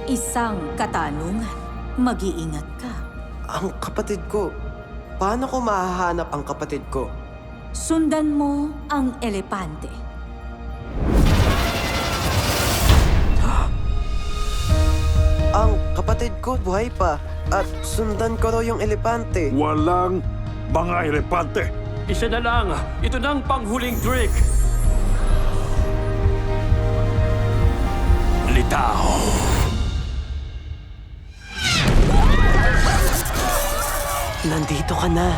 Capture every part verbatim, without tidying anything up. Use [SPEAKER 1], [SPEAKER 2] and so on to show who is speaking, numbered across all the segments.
[SPEAKER 1] Isang katanungan. Mag-iingat ka.
[SPEAKER 2] Ang kapatid ko. Paano ko mahahanap ang kapatid ko?
[SPEAKER 1] Sundan mo ang elepante.
[SPEAKER 2] Ang kapatid ko buhay pa. At sundan ko raw yung elepante.
[SPEAKER 3] Walang mga elepante.
[SPEAKER 4] Isa na lang. Ito na ang panghuling trick. Litaw.
[SPEAKER 2] Nandito ka na.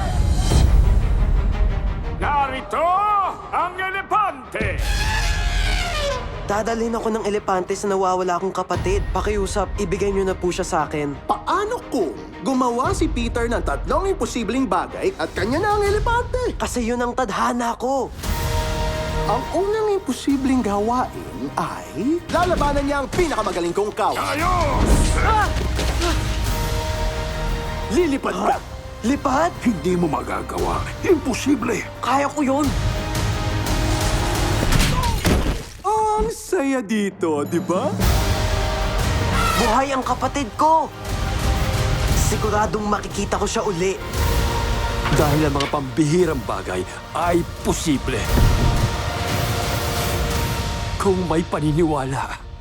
[SPEAKER 3] Narito ang elepante!
[SPEAKER 2] Dadalhin ako ng elepante sa nawawala akong kapatid. Pakiusap, ibigay niyo na po siya sa akin.
[SPEAKER 5] Paano kung gumawa si Peter ng tatlong imposibleng bagay at kanya na ang elepante?
[SPEAKER 2] Kasi yun ang tadhana ko.
[SPEAKER 5] Ang unang imposibleng gawain ay lalabanan niya ang pinakamagaling kong kaw.
[SPEAKER 3] Ayos!
[SPEAKER 5] Lilipad ka!
[SPEAKER 2] Lipad?
[SPEAKER 3] Hindi mo magagawa. Imposible.
[SPEAKER 2] Kaya ko yun.
[SPEAKER 5] Ang saya dito, di ba?
[SPEAKER 2] Buhay ang kapatid ko. Siguradong makikita ko siya uli.
[SPEAKER 4] Dahil ang mga pambihirang bagay ay posible. Kung may paniniwala.